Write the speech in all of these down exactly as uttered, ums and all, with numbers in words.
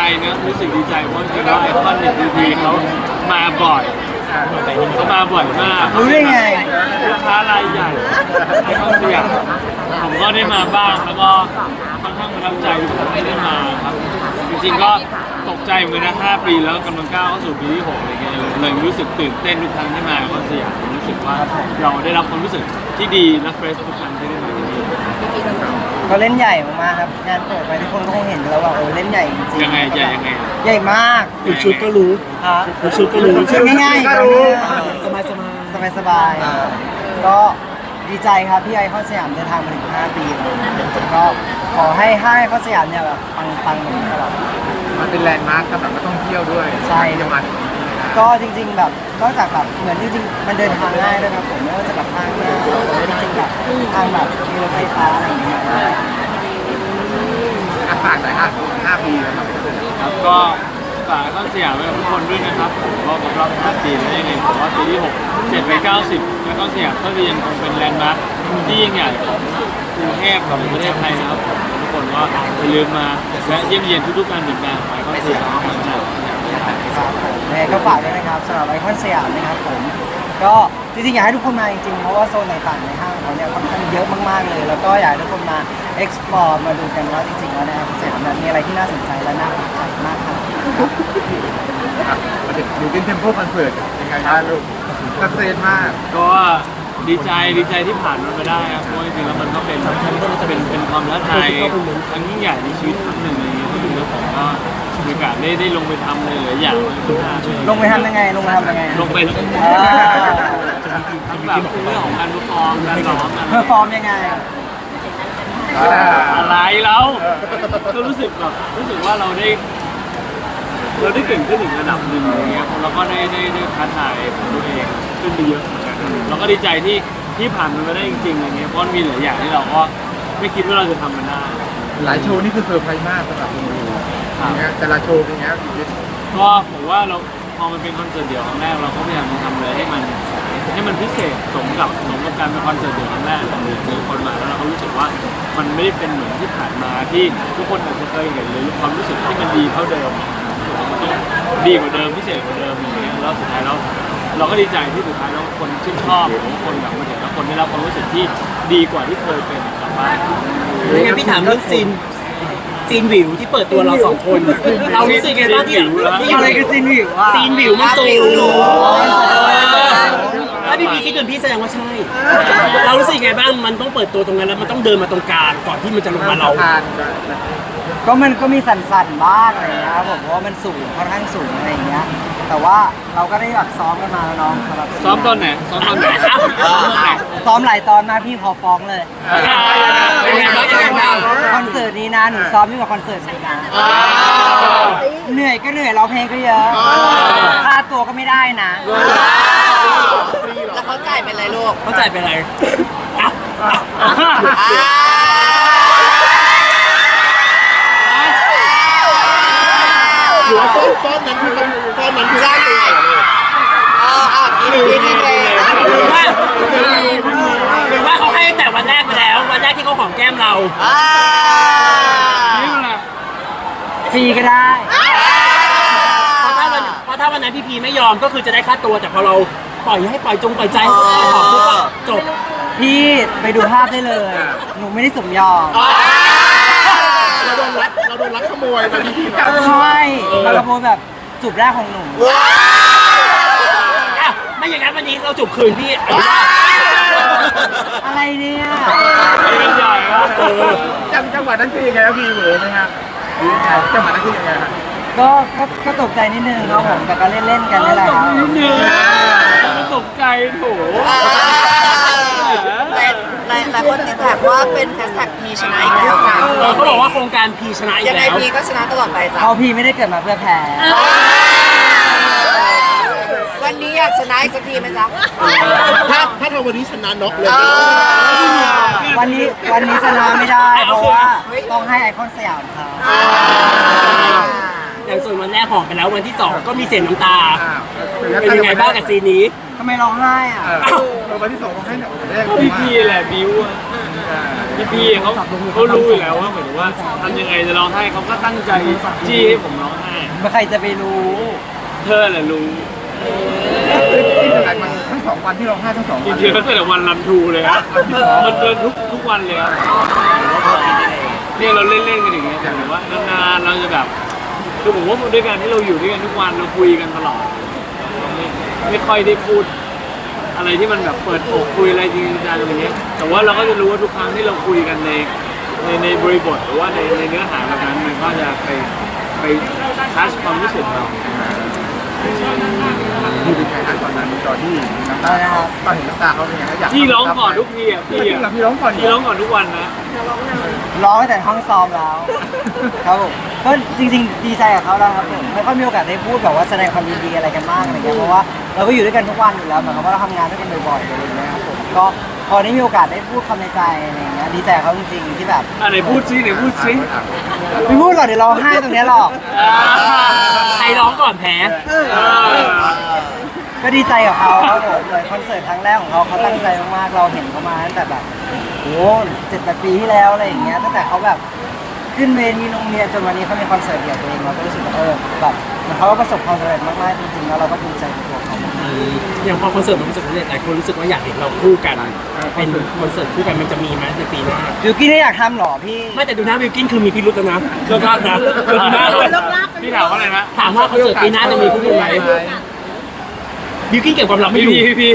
นะรู้สึกดีใจเพราะจริงๆแล้วไอคอนเนี่ยดีทีเขามาบ่อยเขามาบ่อยมากรู้ได้ไงลูกค้ารายใหญ่ไอคอนสยามผมก็ได้มาบ้างแล้วก็ค่อนข้างประทับใจที่ได้มาครับจริงๆก็ตกใจเหมือนกันนะห้าปีแล้วกำลังก้าวเข้าสู่ปีที่หกอะไรเงี้ยเลยรู้สึกตื่นเต้นทุกครั้งที่มาไอคอนสยามรู้สึกว่าเราได้รับความรู้สึกที่ดีและเฟรชทุกครั้งที่ได้มาที่นี่เขาเล่นใหญ่มากๆครับงานเปิดไปทุกคนก็คงเห็นแล้วว่าเออเล่นใหญ่จริงๆยังไงใหญ่ยังไงใหญ่มากอีกชุดก็รู้ฮะอีกชุดก็รู้ชุดง่ายๆก็ก็รู้รู้สบายสบายสบายสบายๆก็ดีใจครับที่ไอคอนสยามเดินทางมาถึงห้าปีแล้วก็ขอให้ห้างไอคอนสยามเนี่ยแบบปังๆแบบนี้ตลอดมันเป็นแลนด์มาร์คสำหรับนักท่องเที่ยวด้วยใช่จะมาก็จริงๆแบบนอกจากแบบเหมือนจริงๆมันเดินทางง่ายด้วยครับผมไม่ว่าจะแบบทางหน้าหรือว่าจริงๆแบบทางแบบมีรถไฟฟ้าอะไรอย่างเงี้ยอ่ะฝากหน่อยฮะห้าปีแล้วครับครับก็ฝากข้อสยามไว้กับทุกคนด้วยนะครับผมก็ครบรอบห้าปีแล้วยังไงผมว่าปีที่หก เจ็ดไปเก้าสิบแล้วก็สยามก็ยังคงเป็นแลนด์มาร์คที่ยิ่งใหญ่ของกรุงเทพของประเทศไทยนะครับผมทุกคนก็อย่าลืมมาและเยี่ยมเยียนทุกๆการเดินทางของไอคอนสยามนะครับครับผมยังไงก็ฝากด้วยนะครับสำหรับไอคอนสยามนะครับผมก็จริงๆอยากให้ทุกคนมาจริงๆเพราะว่าโซนต่างๆในห้างเขาเนี่ยค่อนข้างเยอะมากๆเลย แล้วก็อยากให้ทุกคนมา explore มาดูกันว่าจริงๆแล้วในไอคอนสยามนั้นมีอะไรที่น่าสนใจและน่าสนใจมากครับครับมาถึงดูเป็นเทมโพคอนเสิร์ตยังไงบ้างลูกตัดเซนมากก็ดีใจดีใจที่ผ่านมันมาได้ครับเพราะจริงๆแล้วมันก็เป็นเป็นเป็นความท้าทายครั้งยิ่งใหญ่ในชีวิตครั้งหนึ่งอะไรเงี้ยที่แล้วผมก็มีโอกาสได้ได้ลงไปทำเลยหลายอย่างเลยทุกอย่างลงไปทำยังไงลงไปทำยังไงลงไปแล้วก็อ่าทั้งแบบเรื่องของการรู้ฟอร์มการร้องอะไรเพอร์ฟอร์มยังไงอะไรแล้วก็รู้สึกแบบรู้สึกว่าเราได้ เราได้เก่งขึ้นอีกระดับหนึ่งอะไรเงี้ยเราก็ได้ได้ได้ท้าทายตัวเองขึ้นไปเยอะเหมือนกันเราก็ดีใจที่ที่ผ่านมันมาได้จริงๆอะไรเงี้ยเพราะมีหลายอย่างที่เราก็ไม่คิดว่าเราจะทำมันได้หลายโชว์นี่คือเซอร์ไพรส์มากสำหรับคุณดูอย่างเงี้ยแต่ละโชว์เป็นไงครับชีวิตก็ผมว่าเราพอมันเป็นคอนเสิร์ตเดี่ยวครั้งแรกเราก็พยายามจะทำอะไรให้มันให้มันพิเศษสมกับสมกับการเป็นคอนเสิร์ตเดี่ยวครั้งแรกของเจอคนมาแล้วเราก็รู้สึกว่ามันไม่ได้เป็นเหมือนที่ผ่านมาที่ทุกคนอาจจะเคยเห็นหรือความรู้สึกที่มันดีเท่าเดิมมันต้องดีกว่าเดิมพิเศษกว่าเดิมอย่างเงี้ยแล้วสุดท้ายแล้วเราก็ดีใจที่สุดท้ายแล้วคนชื่นชอบหรือคนแบบมาเห็นแล้วคนได้รับความรู้สึกที่ดีกว่าที่เคยเป็นกลับบ้านงั้นพี่ถามเรื่องซีนซีนวิวที่เปิดตัวเราสองคน เรารู้สึกไงบ้างที่ที่อะไรคือซีนวิวอ่ะซีนวิวมันสูงถ้าพี่พีคิดจนพี่แสดงว่าใช่ เรารู้สึกไงบ้างมันต้องเปิดตัวตรงนั้นแล้วมันต้องเดินมาตรงกลางก่อนที่มันจะลงมาเราผ่านก็มันก็มีสั่นๆบ้างอะไรอย่างเงี้ยครับผมเพราะว่ามันสูงค่อนข้างสูงอะไรอย่างเงี้ยแต่ว่าเราก็ได้แบบซ้อมกันมาแล้วน้องสำหรับซ้อมตอนไหนซ้อมตอนไหนซ้อมตอนไหนซ้อมหลายตอนมากพี่ขอฟ้องเลยเป็นไงบ้างเป็นไงบ้างคอนเสิร์ตนี้นะหนูซ้อมยิ่งกว่าคอนเสิร์ตนี้นะเหนื่อยก็เหนื่อยร้องเพลงก็เยอะค่าตัวก็ไม่ได้นะแล้วเขาจ่ายเป็นไรลูกเข้าใจเป็นไรอ่ะหรือว่าก้อนก้อนนั้นคือก้อนนั้นคือได้ตัวอ่าอ่ากินกินกินเลยหรือว่าหรือว่าเขาให้แต่วันแรกไปแล้ว วันแรกที่เขาหอมแก้มเราอ่านี่แหละฟรีก็ได้เพราะถ้าวันเพราะถ้าวันนั้นพี่พีไม่ยอมก็คือจะได้ค่าตัวแต่พอเราปล่อยให้ปล่อยจงปล่อยใจให้เขาขอปุ๊บอะจบพี่ไปดูภาพได้เลย หนูไม่ได้สมยอมเราโดนรัดเราโดนรัดขโมยไปที่ที่ใช่เรากระโปรงแบบจูบแรกของหนูอ่ะไม่อย่างนั้นวันนี้เราจบคืนพี่อะไรเนี่ยไปกันใหญ่วะเออจังจังหวะนั้นคือยังไงครับพี่เหมือนไหมฮะหรือยังไงจังหวะนั้นคือยังไงฮะก็ก็ก็ตกใจนิดนึงครับผมแต่ก็เล่นๆกันนี่แหละครับนิดนึงมันตกใจโถหลายหลายหลายคนติดแท็กว่าเป็นแฮชแท็กพีชนะอีกแล้วจ้ะเออเขาบอกว่าโครงการพีชนะอียักงไงแล้วพีก็ชนะตลอดไปจ้ะเอาพี่ไม่ได้เกิดมาเพื่อแพ้วันนี้อยากชนะอีกสักทีไหมจ๊ะถ้าถ้าทำวันนี้ชนะน็อกเลยวันนี้วันนี้ชนะไม่ได้ เพราะว่าต้องให้ไอคอนสยามเขาอย่างส่วนวันแรกหอมไปแล้ววันที่สองก็มีเสียงน้ำตาอ่าเป็นยังไงบ้างกับซีนนี้ทำไมร้องไห้อ่ะเออวันที่สองเขาให้หนักแรกพี่พี่แหละบิวอะพี่พี่เขาเขารู้อยู่แล้วว่าเหมือนว่าทำยังไงจะร้องไห้เขาก็ตั้งใจจี้ให้ผมร้องไห้ใครจะไปรู้เธอแหละรู้ที่ขนาดมันทั้งสองวันที่เราให้ทั้งสองจวันริงๆแล้วแต่ละวันรันทรูเลยครับมันเดินทุกทุกวันเลยครับเนี่ยเราเล่นๆกันอย่างเงี้ยแต่แบบว่านานๆเราจะแบบคือผมว่าด้วยการที่เราอยู่ด้วยกันทุกวันเราคุยกันตลอดเราไม่ไม่ค่อยได้พูดอะไรที่มันแบบเปิดอกคุยอะไรจริงจังอะไรเงี้ยแต่ว่าเราก็จะรู้ว่าทุกครั้งที่เราคุยกันในในในบริบทหรือว่าในในเนื้อหาแบบนั้นมันก็จะไปไปทัชความรู้สึกเราที่เป็นไงนะตอนนั้นตอนที่น้ำตาตอนเห็นน้ำตาเขาเป็นไงอยากพี่ร้องก่อนทุกทีอ่ะพี่พี่อ่ะพี่ร้องก่อนพี่ร้องก่อนทุกวันนะร้องตั้งแต่ห้องซ้อมแล้ว ครับผมก็จริงๆดีใจกับเขาแล้วครับผมไม่ค่อยมีโอกาสได้พูดแบบว่าแสดงความยินดีอะไรกันมากอะไรเงี้ยเพราะว่าเราก็อยู่ด้วยกันทุกวันอยู่แล้วเหมือนกับว่าเราทำงานด้วยกันบ่อยๆอะไรอย่างเงี้ยครับผมก็พอได้มีโอกาสได้พูดคำในใจอะไรอย่างเงี้ยดีใจกับเขาจริงๆที่แบบอ่ะไหนพูดซิไหนพูดซิไม่พูดหรอกเดี๋ยวร้องไห้ตรงเนี้ยหรอกใครร้องก่อนแพ้ก็ดีใจกับเขาครับผมเลยคอนเสิร์ตครั้งแรกของเขาเขาตั้งใจมากๆเราเห็นเขามาตั้งแต่แบบโอ้เจ็ดแปดปีที่แล้วอะไรอย่างเงี้ยตั้งแต่เขาแบบขึ้นเวทีโรงเรียนจนวันนี้เขามีคอนเสิร์ตเดี่ยวตัวเองเราก็รู้สึกว่าเออแบบเหมือนเขาก็ประสบความสำเร็จมากๆจริงๆแล้วเราก็ภูมิใจในตัวเขาอย่างพอคอนเสิร์ตมันประสบความสำเร็จหลายคนรู้สึกว่าอยากเห็นเราคู่กันเป็นคอนเสิร์ตคู่กันมันจะมีไหมในปีหน้าบิวกี้นไม่อยากทำหรอพี่ไม่แต่ดูหน้าบิวกินคือมีพิรุธแล้วนะเลิกลากนะดูหน้าด้วยพี่ถามว่าอะไรนะถามว่าคอนเสิร์ตปีหน้าจะมีคู่กันไหมบิวกินเก็บความลับไม่พี่อยู่พี่พี่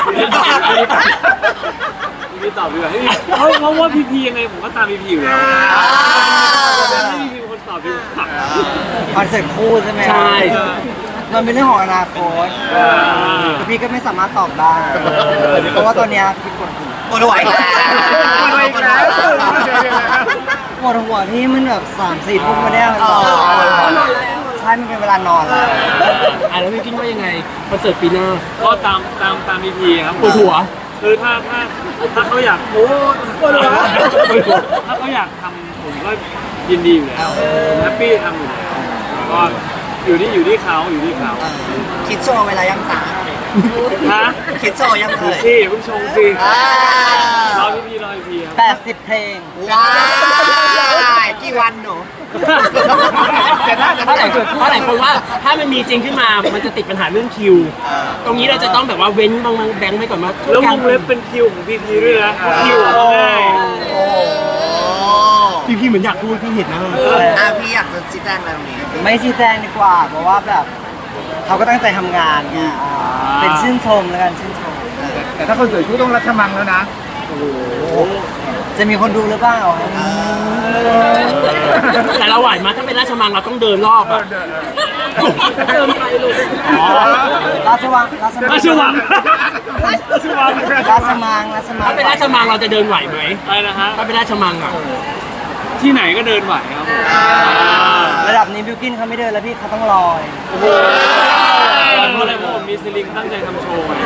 พี่ตอบดีกว่าเพราะเพราะว่าพี่พียังไงผมก็ตามพี่พีอยู่แล้วพี่พีเป็นคนตอบดีกว่าคอนเสิร์ตคู่ใช่ไหมใช่มันเป็นเรื่องของอนาคตแต่พี่ก็ไม่สามารถตอบได้ เพราะว่าตอนเนี้ยพี่ปวดหัวปวดหัวอีกแล้วปวดหัวอีกแล้วปวดหัวที่มันแบบสามสี่ทุ่มมาเนี่ยมันนอนใช่มันเป็นเวลานอนแล้วอ่ะแล้วบิวกินว่ายังไงคอนเสิร์ตปีหน้าก็ตามตามตามพี่พีครับปวดหัวคือถ้าถ้าถ้าเขาอยากโอ้ถ้าเขาอยากทำผมก็ยินดีอยู่แล้วแฮปปี้ทำอยู่แล้วก็อยู่ที่อยู่ที่เขาอยู่ที่เขาคิดโชว์เวลายังสาฮะคิดโชว์ยังเคดูยสิเพิ่งชงสิอ่ารอพี่พีรอพี่พีครับแปดสิบเพลงว้ายกี่วันหนูแต่ถ้าเพราะหลายคนเพราะหลายคนว่าถ้ามันมีจริงขึ้นมา มันจะติดปัญหาเรื่องคิว ตรงนี้เราจะต้องแบบว่าเว้นบางแบงค์ไว้ก่อนว่าแล้ววงเล็บเป็นคิวของพีพีด้วยนะเพราะคิวของง่ายโอ้พี่พี่เหมือนอยากพูดพี่เห็นนะอ่ะพี่อยากจะชี้แจงอะไรตรงนี้ไม่ชี้แจงดีกว่า เพราะว่าแบบเขาก็ตั้งใจทำงานไงอ่าเป็นชื่นชมแล้วกันชื่นชมแต่ถ้าคอนเสิร์ตคู่ต้องรัชมังแล้วนะจะมีคนดูหรือเปล่าครับแต่เราไหวมาถ้าเป็นราชมังเราต้องเดินรอบอะเติมไปลูกอ๋อราชวังราชมังราชวังราชวังราชมังราชมังถ้าเป็นราชมังเราจะเดินไหวไหมอะไรนะฮะถ้าเป็นราชมังอะที่ไหนก็เดินไหวครับผมระดับนี้บิวกินเขาไม่เดินแล้วพี่เขาต้องลอยโอ้โหเพราะอะไรเพราะผมมีสลิงตั้งใจทำโชว์ไง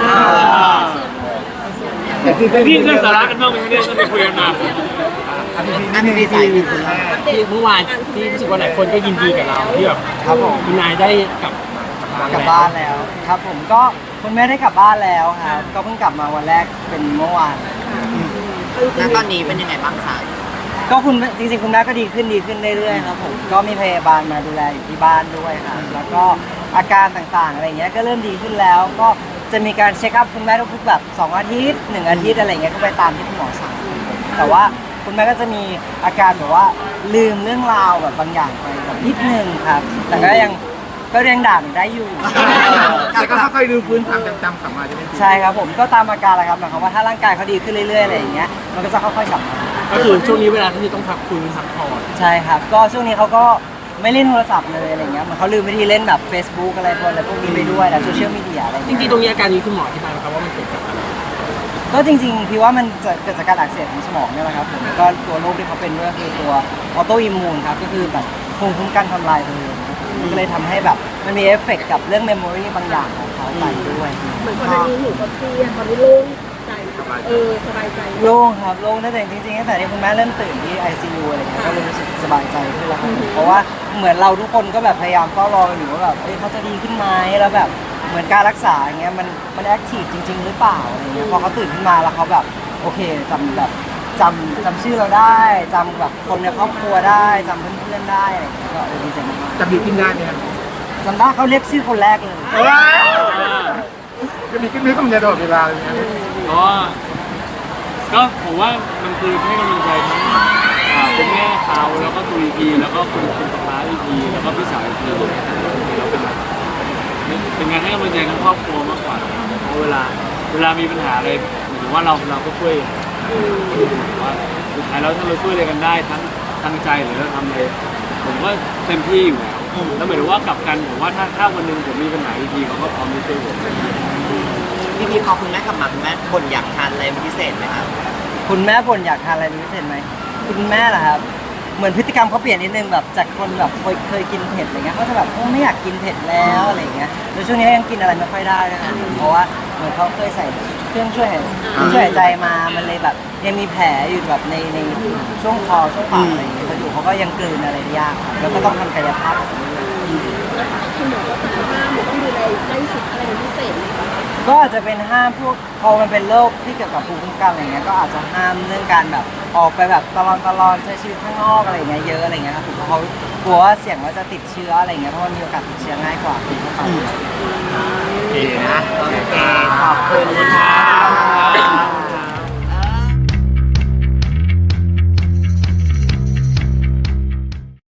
พี่เรื่องสาระกันบ้างไหมเนี่ยต้องไปคุยกันมาอันนี้ดีใจดีคุณแม่ที่เมื่อวานที่รู้สึกว่าหลายคนก็ยินดีกับเราที่แบบครับผมคุณนายได้กลับกลับบ้านแล้วครับผมก็คุณแม่ได้กลับบ้านแล้วครับก็เพิ่งกลับมาวันแรกเป็นเมื่อวานณตอนนี้เป็นยังไงบ้างคะก็คุณจริงๆคุณแม่ก็ดีขึ้นดีขึ้นเรื่อยๆครับผมก็มีพยาบาลมาดูแลอยู่ที่บ้านด้วยครับแล้วก็อาการต่างๆอะไรเงี้ยก็เริ่มดีขึ้นแล้ว ก็จะมีการเช็คอัพคุณแม่ทุกๆแบบสองอาทิตย์หนึ่งอาทิตย์อะไรเงี้ยก็ไปตามที่คุณหมอสั่งแต่ว่าคุณแม่ก็จะมีอาการแบบว่าลืมเรื่องราวแบบบางอย่างไปแบบนิดนึงครับ แต่ก็ยังก็ยังด่าหนูได้อยู่แต่ก็ค่อยๆดูฟื้นความจำๆกลับมาใช่ไหมใช่ครับผมก็ตามอาการแหละครับหมายความว่าถ้าร่างกายเขาดีขึ้นเรื่อยๆอะไรอย่างเงี้ยมันก็จะค่อยๆกลับมาก็คือช่วงนี้เวลาที่ต้องพักฟื้นพักผ่อนใช่ครับ ก็ช่วงนี้เขาก็ไม่เล่นโทรศัพท์เลยอะไรเงี้ยเหมือนเขาลืมวิธีเล่นแบบ Facebook อะไรพวกอะไรพวกนี้ไปด้วยนะโซเชียลมีเดียอะไรจเงี้ยริงๆตรงนี้อาการนี้คุณหมออธิบายไหมครับว่ามันเกิดจากอะไรก็จริงๆพี่ว่ามันจะเกิดจากการอักเสบของสมองเนี่ยแหละครับผมก็ตัวโรคที่เขาเป็นด้วยคือตัวออโตอิมมูนครับก็คือแบบภูมิคุ้มกันทำลายตัวเองมันก็เลยทำให้แบบมันมีเอฟเฟกต์กับเรื่องเมมโมรีบางอย่างของเขาไปด้วยเหมือนก่อนหน้านี้หนูก็เครียดตอนนี้โล่งใจเออสบายใจโล่งครับโล่งตั้งแต่จริงๆตั้งแต่ที่คุณแม่เริ่มตื่นที่ ไอ ซี ยู อะไรเงี้ยก็เลยรู้สึกสบายใจขึ้นแล้วครับเพราะว่าเหมือนเราทุกคนก็แบบพยายามเฝ้ารอกันอยู่ว่าแบบเอ้ยเขาจะดีขึ้นไหมแล้วแบบเหมือนการรักษาอย่างเงี้ยมันมันแอคทีฟจริง ๆ หรือเปล่าอะไรเงี้ยพอเขาตื่นขึ้นมาแล้วเขาแบบโอเคจำแบบจำจำชื่อเราได้จำแบบคนในครอบครัวได้จำเพื่อนๆได้อะไรเงี้ยก็เออดีใจมากจะดีขึ้นได้ไหมครับๆจำได้เขาเรียกชื่อคนแรกเลยจะมีขึ้นมีคำเดียวตลอดเวลาเลยนะก็ก็ผมว่ามันคือให้กำลังใจทั้งอ่าเป็นแม่เขาแล้วก็ตัวอีพีแล้วก็คุณคุณป้าอีพีแล้วก็พี่สาวอีพีแล้วเป็นแบบเป็นงานให้กำลังใจทั้งครอบครัวมากกว่าเพราะเวลาเวลามีปัญหาอะไรหมายถึงว่าเราเราก็ช่วยว่าสุดท้ายแล้วถ้าเราช่วยอะไรกันได้ทั้งทั้งใจหรือเราทำอะไรผมก็เต็มที่อยู่แล้วแล้วหมายถึงว่ากลับกันผมว่าถ้าถ้าวันหนึ่งผมมีปัญหาอีพีเขาก็พร้อมที่จะช่วยผมพี่พีพอคุณแม่กลับมาคุณแม่บ่นอยากทานอะไรเป็นพิเศษไหมครับคุณแม่บ่นอยากทานอะไรเป็นพิเศษไหมคุณแม่เหรอครับเหมือนพฤติกรรมเขาเปลี่ยนนิดนึงแบบจากคนแบบเคยเคยกินเผ็ดอะไรเงี้ยเขาจะแบบโอ้ไม่อยากกินเผ็ดแล้วอะไรเงี้ยแล้วช่วงนี้ยังกินอะไรไม่ค่อยได้ด้วยนะเพราะว่าเหมือนเขาเคยใส่เครื่องช่วยหายช่วยหายใจมามันเลยแบบยังมีแผลอยู่แบบในในช่วงคอช่วงปากอะไรอย่างเงี้ยเขาอยู่เขาก็ยังกลืนอะไรได้ยากครับแล้วก็ต้องทำกายภาพคุณหมอก็สั่งห้ามหรือต้องดูแลใกล้ชิดอะไรเป็นพิเศษไหมคะก็อาจจะเป็นห้ามพวกพอมันเป็นโรคที่เกี่ยวกับภูมิคุ้มกันอะไรเงี้ยก็อาจจะห้ามเรื่องการแบบออกไปแบบตลอดตลอดใช้ชีวิตข้างนอกอะไรเงี้ยเยอะอะไรเงี้ยครับผมเพราะเขากลัวว่าเสี่ยงว่าจะติดเชื้ออะไรเงี้ยเพราะว่ามีโอกาสติดเชื้อง่ายกว่าคนทั่วไปโอเคนะ โอเค ขอบคุณค่ะ